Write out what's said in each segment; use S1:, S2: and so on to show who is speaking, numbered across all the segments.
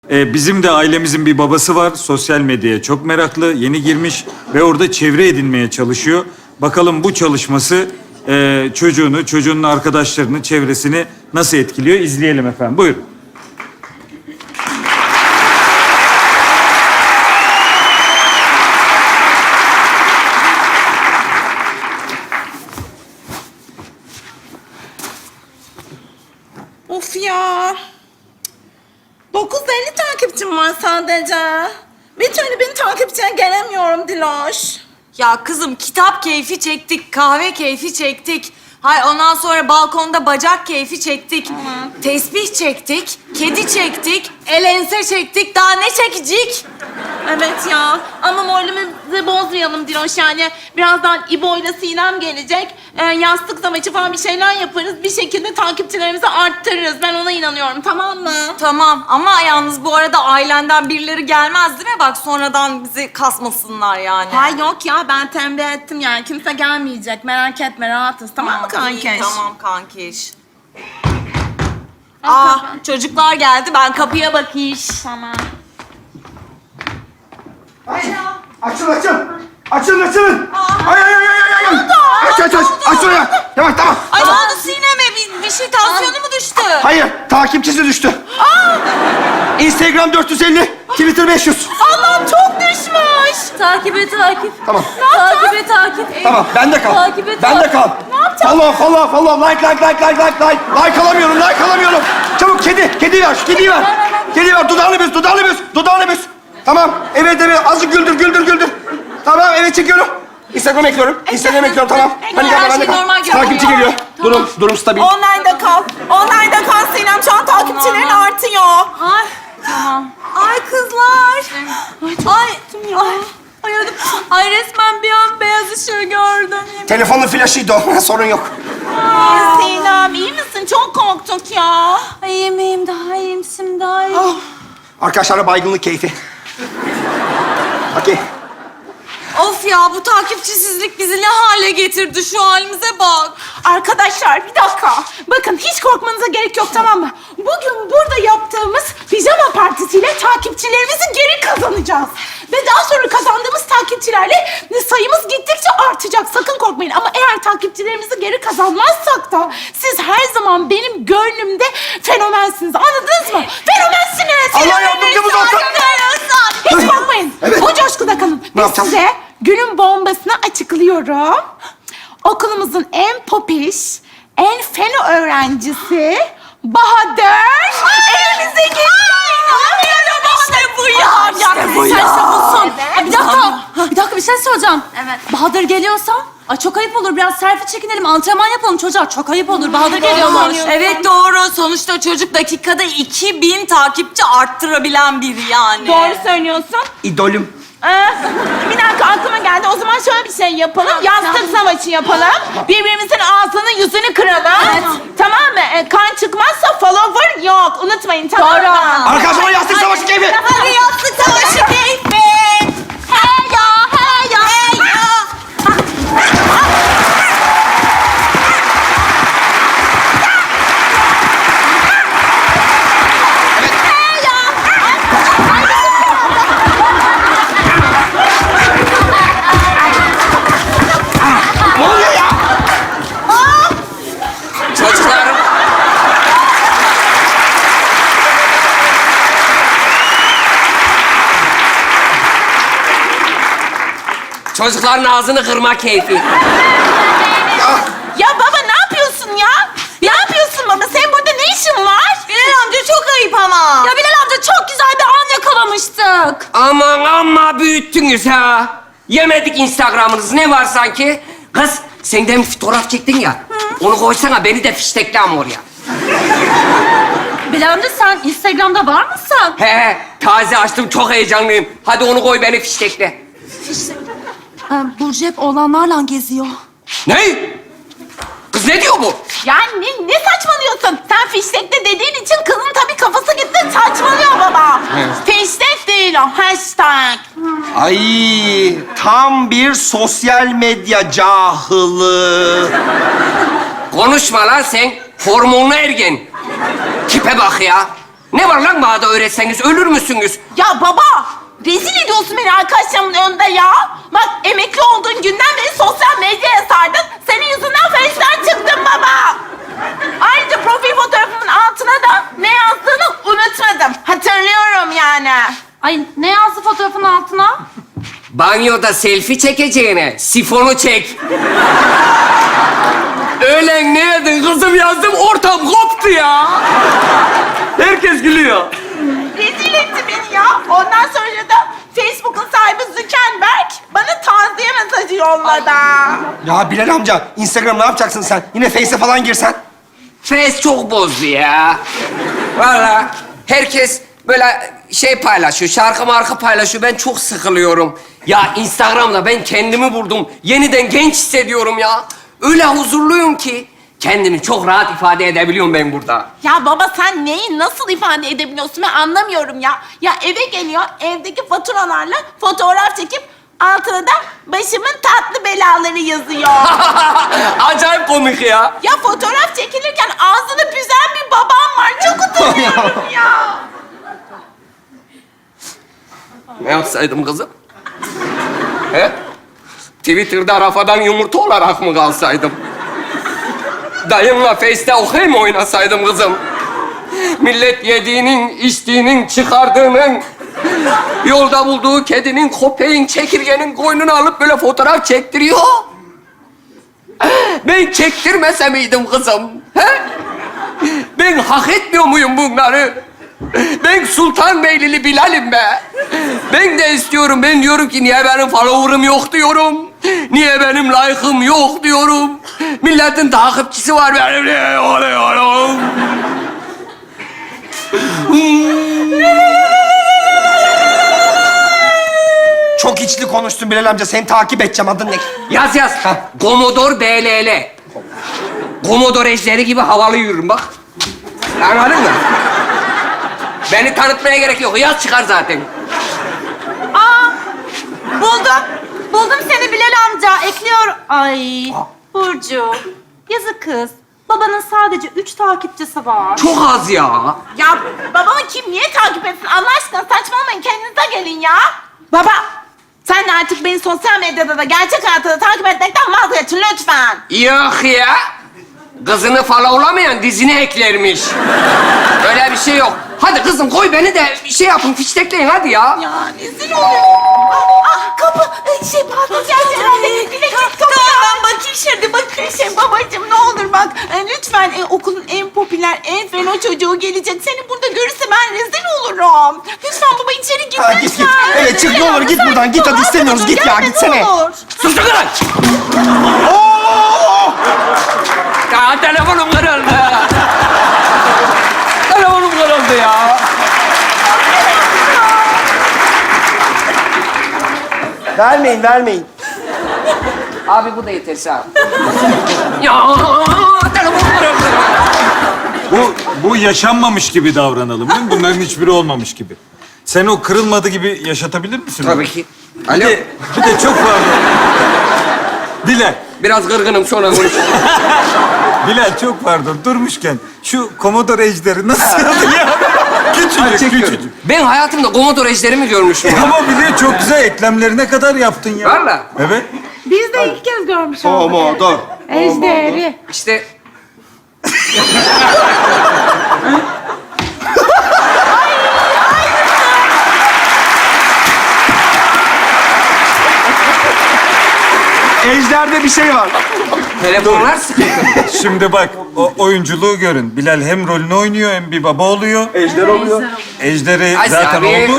S1: Bizim de ailemizin bir babası var. Sosyal medyaya çok meraklı, yeni girmiş ve orada çevre edinmeye çalışıyor. Bakalım bu çalışması çocuğunu, çocuğunun arkadaşlarını, çevresini nasıl etkiliyor? İzleyelim efendim. Buyurun.
S2: Of ya. 950 takipçim var sadece. Bir türlü bin takipçiye gelemiyorum Diloş.
S3: Ya kızım kitap keyfi çektik, kahve keyfi çektik. Hay ondan sonra balkonda bacak keyfi çektik. Tesbih çektik, kedi çektik, el ense çektik. Daha ne çekecek?
S2: Evet ya. Ama moralimizi bozmayalım Diloş yani. Birazdan İbo ile Sinem gelecek. Yastık savaşı falan bir şeyler yaparız. Bir şekilde takipçilerimizi arttırırız. Ben ona inanıyorum, tamam mı?
S3: Tamam ama yalnız bu arada ailenden birileri gelmez değil mi? Bak sonradan bizi kasmasınlar yani.
S2: Hay yok ya, ben tembih ettim yani. Kimse gelmeyecek. Merak etme, rahatız. Tamam mı kankiş?
S3: İyi, tamam kankiş. Aa, çocuklar geldi. Ben kapıya bakayım.
S2: Tamam.
S4: Açın. Açılın. Ay. Aç oraya. Yavaş tamam.
S3: Ay ne oldu Sinem'e? Bir şey tansiyonu mu düştü?
S4: Hayır, takipçisi düştü. Instagram 450, Twitter 500.
S2: Allah çok düşmüş.
S3: Takibe takip.
S4: Tamam.
S3: Takibe takip.
S4: Tamam, bende kal.
S3: Takip et,
S4: Bende
S3: takip.
S4: kal. Follow. Like alamıyorum. Çabuk kediyi ver. Kediyi ver. Dudağını büz. Tamam. Evet. Azıcık güldür. Tamam, evet çekiyorum. Instagram ekliyorum. Tamam. Hani
S3: her
S4: bende
S3: şey
S4: kal.
S3: normal görünüyor.
S4: Takipçi geliyor. Durum stabil.
S2: Online'da kal Sinem. Şu an takipçilerin artıyor.
S3: Ay tamam. Ay kızlar. Ay resmen bir an beyaz ışığı gördüm.
S4: Telefonun flaşıydı o. Sorun yok.
S2: Sinem iyi misin? Çok korktuk ya.
S3: Ay iyiyim, daha iyiyim şimdi, daha iyiyim.
S4: Arkadaşlarla baygınlık keyfi. Okey.
S3: Of ya bu takipçisizlik bizi ne hale getirdi, şu halimize bak.
S2: Arkadaşlar bir dakika. Bakın hiç korkmanıza gerek yok, tamam mı? Bugün burada yaptığımız pijama partisiyle takipçilerimizi geri kazanacağız. Ve daha sonra kazandığımız takipçilerle sayımız gittikçe artacak. Sakın korkmayın. Ama eğer takipçilerimizi geri kazanmazsak da siz her zaman benim gönlümde fenomensiniz. Anladınız mı? Fenomensiniz.
S4: Allah yardımcımız olsun.
S2: Hiç korkmayın.
S4: Evet.
S2: O coşkuda kalın.
S4: Ne
S2: Biz
S4: yapacağız?
S2: size günün bombasını açıklıyorum. Okulumuzun en popiş, en fen öğrencisi Bahadır evimize geliyor.
S3: İşte bu ya.
S2: İşte bu ya.
S3: Sen sabunsun.
S2: Evet.
S3: Bir dakika bir şey soracağım. Evet. Bahadır geliyorsa, ay çok ayıp olur. Biraz selfie çekinelim, antrenman yapalım çocuğa. Çok ayıp olur. Bahadır geliyormuş. Evet doğru. Sonuçta çocuk dakikada 2000 takipçi arttırabilen biri yani.
S2: Doğru söylüyorsun.
S4: İdolüm.
S2: Bir dakika aklıma geldi. O zaman şöyle bir şey yapalım. Yastık savaşı yapalım. Birbirimizin ağzını yüzünü kıralım.
S3: Evet.
S2: Tamam mı? Kan çıkmazsa follower yok. Unutmayın, tamam mı?
S3: Doğru.
S4: Arkadaşlar yastık savaşı keyfi.
S3: Hadi yastık savaşı keyfi. Hey ya.
S4: Ne oluyor ya?
S5: Çocuklar. Çocukların ağzını kırma keyfi.
S2: Ya baba ne yapıyorsun ya? Ne yapıyorsun baba? Senin burada ne işin var?
S3: Bilal amca çok ayıp ama. Ya Bilal amca çok güzel bir an yakalamıştık.
S5: Aman amma büyüttünüz ha. Yemedik Instagram'ınız. Ne var sanki? Kız sen de mi fotoğraf çektin ya? Onu koysana, beni de fiştekle ama oraya.
S3: Bilal amca sen Instagram'da var mısın?
S5: He, taze açtım, çok heyecanlıyım. Hadi onu koy, beni fiştekle.
S3: Burcu hep oğlanlarla geziyor.
S5: Ne? Kız ne diyor bu?
S2: Ya ne saçmalıyorsun? Sen fiştekte dediğin için kızın tabii kafası gitti. Saçmalıyor baba. Fiştek değil o. Hashtag.
S4: Ay, tam bir sosyal medya cahılı.
S5: Konuşma lan sen. Hormonlu ergen. Tipe bak ya. Ne var lan bana da öğretseniz ölür müsünüz?
S2: Ya baba, rezil ediyorsun beni arkadaşlarımın önünde ya. Bak emekli olduğun günden beri sosyal medyaya sardın. Senin yüzünden Face'den çıktım baba. Ayrıca profil fotoğrafımın altına da ne yazdığını unutmadım. Hatırlıyorum yani.
S3: Ay ne yazdı fotoğrafın altına?
S5: Banyoda selfie çekeceğine sifonu çek. Öğlen ne yedin kızım yazdım ortam koptu ya. Herkes gülüyor.
S2: Rezil etti beni ya. Ondan sonra da Facebook'un sahibi Zuckerberg bana taziye mesajı yolladı.
S4: Ya Bilal amca, Instagram ne yapacaksın sen? Yine Face'e falan girsen.
S5: Face çok bozdu ya. Vallahi herkes böyle şey paylaşıyor, şarkı marka paylaşıyor. Ben çok sıkılıyorum. Ya Instagram'da ben kendimi buldum. Yeniden genç hissediyorum ya. Öyle huzurluyum ki kendimi çok rahat ifade edebiliyorum ben burada.
S2: Ya baba sen neyi nasıl ifade edebiliyorsun ben anlamıyorum ya. Ya eve geliyor, evdeki faturalarla fotoğraf çekip altına da başımın tatlı belaları yazıyor.
S5: Acayip komik ya.
S2: Ya fotoğraf çekilirken ağzını büzen bir babam var. Çok utanıyorum ya.
S5: Ne yapsaydım kızım? He? Twitter'da rafadan yumurta olarak mı kalsaydım? Dayımla Face'te okey mi oynasaydım kızım? Millet yediğinin, içtiğinin, çıkardığının, yolda bulduğu kedinin, köpeğin, çekirgenin koynunu alıp böyle fotoğraf çektiriyor. Ben çektirmese miydim kızım? He? Ben hak etmiyor muyum bunları? Ben Sultanbeylili Bilal'im be. Ben de istiyorum. Ben diyorum ki niye benim follower'ım yok diyorum. Niye benim like'ım yok diyorum. Milletin takipçisi var benim niye oluyorum.
S4: Çok içli konuştun Bilal amca. Seni takip edeceğim. Adın ne?
S5: Yaz yaz. Commodore BLL. Commodore ejderi gibi havalı yürürüm bak. Anladın mı? Beni tanıtmaya gerek yok. Yaz çıkar zaten.
S3: Buldum. Buldum seni Bilal amca. Ekliyorum. Ay Burcu. Yazık kız. Babanın sadece 3 takipçisi var.
S5: Çok az ya.
S2: Ya babamı kim niye takip etsin? Allah aşkına saçmalamayın kendinize gelin ya. Baba sen de artık beni sosyal medyada da gerçek hayatta da takip etmekten vazgeçin lütfen.
S5: Yok ya. Kızını followlamayan dizine eklermiş. Öyle bir şey yok. Hadi kızım koy beni de şey yapın, fiştekleyin hadi ya.
S2: Ya rezil oluyorum. Kapı. Pardon. Tamam ben bakayım şimdi bakayım. Babacığım ne olur bak. Lütfen okulun en popüler, en feno çocuğu gelecek. Seni burada görürse ben rezil olurum. Lütfen baba içeri gir.
S4: Ha, git git. Evet çık ne olur git buradan. Git hadi istemiyoruz. Git ya gitsene.
S5: Sus lan! Ya telefonum kırıldı. Telefonum kırıldı ya.
S4: Vermeyin.
S5: Abi bu da yeter sağ ol. Ya telefonum kırıldı.
S1: Bu yaşanmamış gibi davranalım değil mi? Bunların hiçbiri olmamış gibi. Sen o kırılmadı gibi yaşatabilir misin?
S5: Tabii ki.
S1: Bir
S5: Alo.
S1: de çok pardon. Bilal,
S5: Biraz kırgınım sonra konuşuruz.
S1: Bilal çok pardon. Durmuşken şu Commodore ejderi nasıl yazdı ya? Küçücük.
S5: Ben hayatımda Commodore ejderimi görmüşüm.
S1: Ama bile çok güzel eklemlerine kadar yaptın ya.
S5: Valla.
S1: Evet.
S2: Biz de ilk kez görmüş olduk.
S4: Pomodor.
S2: Ejderi.
S5: İşte
S4: Ejderde bir şey var.
S5: telefonlar sıkıntı.
S1: Şimdi bak o oyunculuğu görün. Bilal hem rolünü oynuyor hem bir baba oluyor.
S4: Ejder oluyor.
S1: Ejderi
S5: Ay
S1: zaten
S5: abi.
S1: oldu.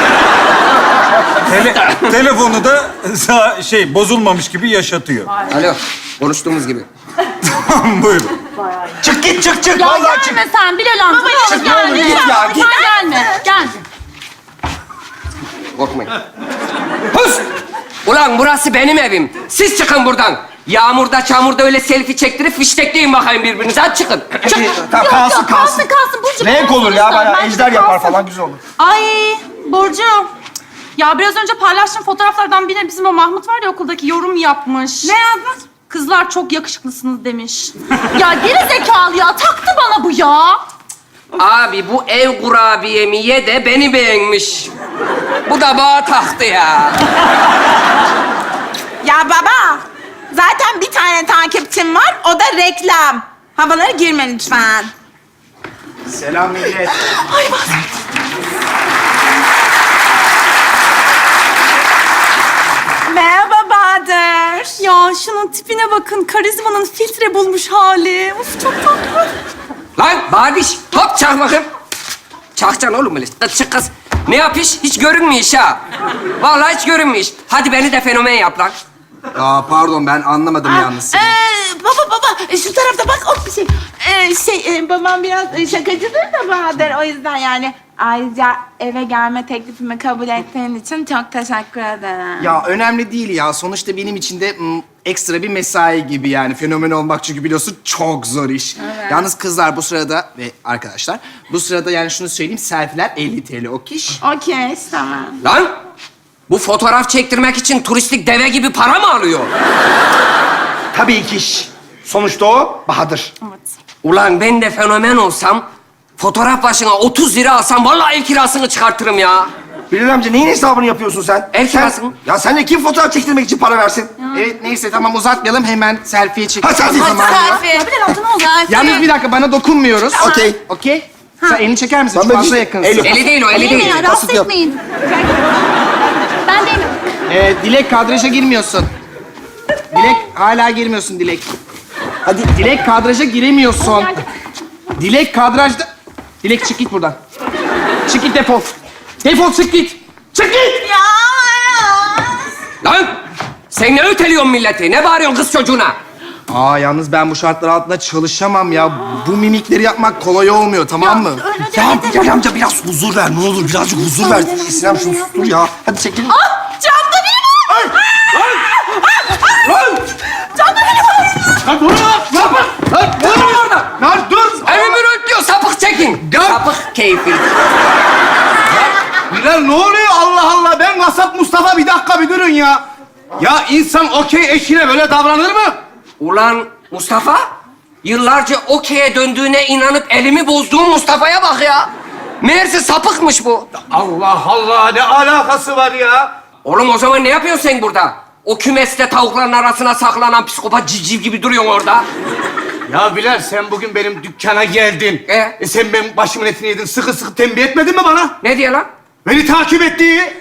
S1: Telefonu da bozulmamış gibi yaşatıyor.
S5: Alo. Konuştuğumuz gibi.
S1: Buyurun.
S4: Çık git çık.
S3: Ya
S4: Vallahi çık.
S3: gelme sen Bilal amca.
S2: Babacığım,
S3: Ne olur
S2: gelme.
S3: gelme.
S4: Git ya, git.
S3: Sen gelme. Gel.
S5: Korkmayın. Hız! Ulan burası benim evim. Siz çıkın buradan. Yağmurda, çamurda öyle selfie çektirip fiştekleyin bakayım birbirinize. Hadi çıkın. Çık.
S4: Tamam kalsın.
S3: Kalsın Burcu.
S4: Renk olur ya bayağı
S3: Bence
S4: ejder
S3: de
S4: yapar
S3: kalsın.
S4: falan güzel olur.
S3: Ay Burcu. Ya biraz önce paylaştığım fotoğraflardan birine bizim o Mahmut var ya okuldaki yorum yapmış.
S2: Ne yazmış?
S3: Kızlar çok yakışıklısınız demiş. Ya geri zekalı ya taktı bana bu ya.
S5: Abi bu ev kurabiyemi ye de beni beğenmiş. Bu da bana taktı ya.
S2: Ya baba, zaten bir tane takipçim var, o da reklam. Havalara girme lütfen.
S6: Selam millet.
S2: Ay bak. Merhaba Bahadır.
S3: Ya şunun tipine bakın. Karizmanın filtre bulmuş hali. Of çok tatlı.
S5: Lan Badiş, hop çak bakayım. Çakacaksın oğlum böyle. Çık kız. Ne yapış? Hiç görünmüyor iş ha. Vallahi hiç görünmüyor iş. Hadi beni de fenomen yap lan.
S6: Aa pardon ben anlamadım yalnız.
S2: Baba, şu tarafta bak, o bir şey. Babam biraz şakacıdır da Bahadır, o yüzden yani. Ayrıca eve gelme teklifimi kabul ettiğin için çok teşekkür ederim.
S6: Ya önemli değil ya. Sonuçta benim için de ekstra bir mesai gibi yani. Fenomen olmak çünkü biliyorsun çok zor iş.
S2: Evet.
S6: Yalnız kızlar bu sırada ve arkadaşlar bu sırada yani şunu söyleyeyim selfie'ler 50 TL o kiş.
S2: Okey, tamam.
S5: Lan bu fotoğraf çektirmek için turistik deve gibi para mı alıyor?
S4: Tabii kiş. Sonuçta o Bahadır.
S5: Ulan ben de fenomen olsam fotoğraf başına 30 lira alsam vallahi ev kirasını çıkartırım ya.
S4: Bilal amca neyin hesabını yapıyorsun sen?
S5: Ev kirası mı?
S4: Ya sen de kim fotoğraf çektirmek için para versin?
S6: Evet neyse tamam uzatmayalım hemen selfie'ye çekelim.
S4: Ha selfie tamam ya.
S3: Ya bir altına oldu.
S6: Yalnız bir dakika bana dokunmuyoruz.
S4: Okey.
S6: Okey. Sen elini çeker misin?
S4: Ben
S6: Çok fazla
S4: bir-
S6: yakınsın.
S4: El-
S5: Eli değil o, eli değil.
S3: Rahatsız
S4: yap.
S3: etmeyin. Ben değilim.
S6: Dilek kadraja girmiyorsun. Dilek hala girmiyorsun Dilek. Hadi Dilek kadraja giremiyorsun. Dilek kadrajda... Dilek çık git buradan. Çık git defol. Defol çık git. Çık git!
S5: Lan sen ne öteliyorsun milleti? Ne bağırıyorsun kız çocuğuna?
S6: Aa yalnız ben bu şartlar altında çalışamam ya. Bu mimikleri yapmak kolay olmuyor tamam mı?
S4: Ya Bilal amca biraz huzur ver ne olur birazcık huzur ver. Sinem şunu sustur ya. Hadi çekilin.
S2: Camda biri var! Camda biri var!
S6: Lan dur lan! Ne yapın? Lan dur orada! Lan dur!
S5: Evimi röntliyor, sapık çekin. Sapık keyfi.
S7: Bilal ne oluyor Allah Allah? Ben kasap Mustafa bir dakika bir durun ya. Ya insan okey eşine böyle davranır mı?
S5: Ulan Mustafa, yıllarca okey'e döndüğüne inanıp elimi bozduğum Mustafa'ya bak ya. Meğerse sapıkmış bu.
S7: Allah Allah ne alakası var ya?
S5: Oğlum o zaman ne yapıyorsun sen burada? O kümeste tavukların arasına saklanan psikopat civciv gibi duruyorsun orada.
S7: Ya Bilal sen bugün benim dükkana geldin. Sen benim başımın etini yedin. Sıkı sıkı tembih etmedin mi bana?
S5: Ne diyor lan?
S7: Beni takip ettiği.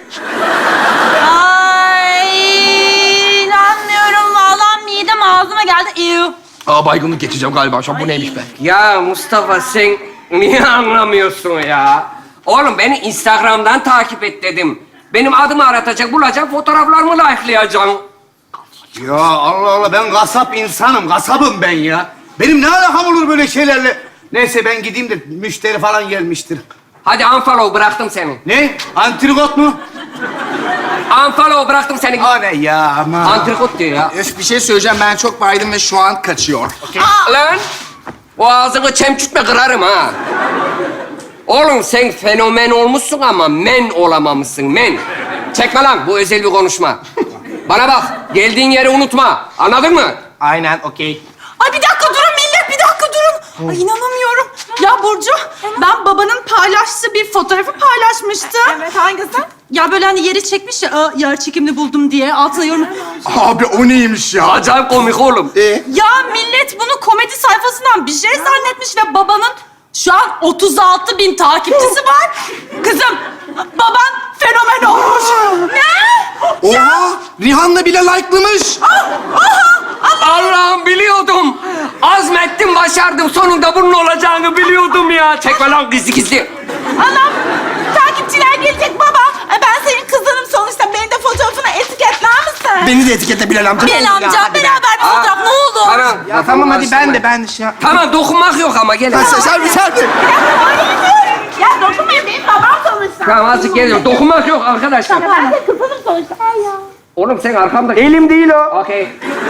S3: Ay inanmıyorum. Vallahi midem ağzıma geldi. Ew.
S6: Aa baygınlık geçeceğim galiba şu an. Bu neymiş be?
S5: Ya Mustafa sen niye anlamıyorsun ya? Oğlum beni Instagram'dan takip et dedim. Benim adımı aratacak, bulacak, fotoğraflarımı likelayacaksın.
S7: Ya Allah Allah ben kasap insanım. Kasabım ben ya. Benim ne alakam olur böyle şeylerle? Neyse ben gideyim de müşteri falan gelmiştir.
S5: Hadi unfollow bıraktım seni.
S7: Ne? Antrikot mu?
S5: Unfollow bıraktım seni.
S7: O ne ya aman.
S5: Antrikot diyor ya.
S6: Öf bir şey söyleyeceğim ben çok baydım ve şu an kaçıyor.
S5: Lan o ağzını çemkirtme kırarım ha. Oğlum sen fenomen olmuşsun ama men olamamışsın men. Çekme lan bu özel bir konuşma. Bana bak geldiğin yeri unutma anladın mı?
S6: Aynen okey.
S2: Ay bir dakika durun millet, bir dakika durun. Ay inanamıyorum. Ya Burcu, ben babanın paylaştığı bir fotoğrafı paylaşmıştım. Evet, hangisi?
S3: Ya böyle hani yeri çekmiş ya, "Aa, yer çekimli buldum" diye altına yorum.
S6: Abi o neymiş ya?
S5: Acayip komik oğlum.
S3: Ya millet bunu komedi sayfasından bir şey zannetmiş ve babanın şu an 36.000 takipçisi var. Kızım, baban fenomen olmuş. Ne?
S6: Oha! Rihanna bile like'lamış.
S5: Allah'ım biliyordum. Azmettim başardım sonunda bunun olacağını biliyordum ya. Çekme lan gizli gizli.
S2: Anam, takipçiler gelecek baba. Ay, ben senin kızınım sonuçta. Beni de fotoğrafına etiketler misin?
S4: Beni de etiketle Bilal amca.
S3: Bilal amca beraber bir fotoğraf ne oldu?
S5: Tamam.
S6: Ya tamam hadi ben de şey...
S5: Tamam dokunmak yok ama gel.
S4: Selfie.
S2: Ya dokunmayın, benim babam sonuçta.
S5: Tamam azıcık geliyorum. Dokunmak yok arkadaşlar.
S2: Ben de kızınım sonuçta. Ay ya.
S5: Oğlum sen arkamda...
S4: Elim değil o.
S5: Okey.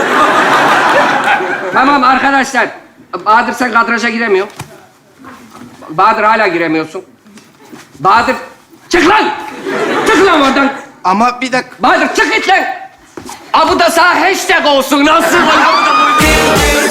S5: Tamam arkadaşlar. Bahadır sen kadraja giremiyor. Bahadır hala giremiyorsun. Bahadır çık lan! Çık lan oradan!
S6: Ama bir dakika.
S5: Bahadır çık git lan! Aa, bu da sana hashtag olsun. Nasıl?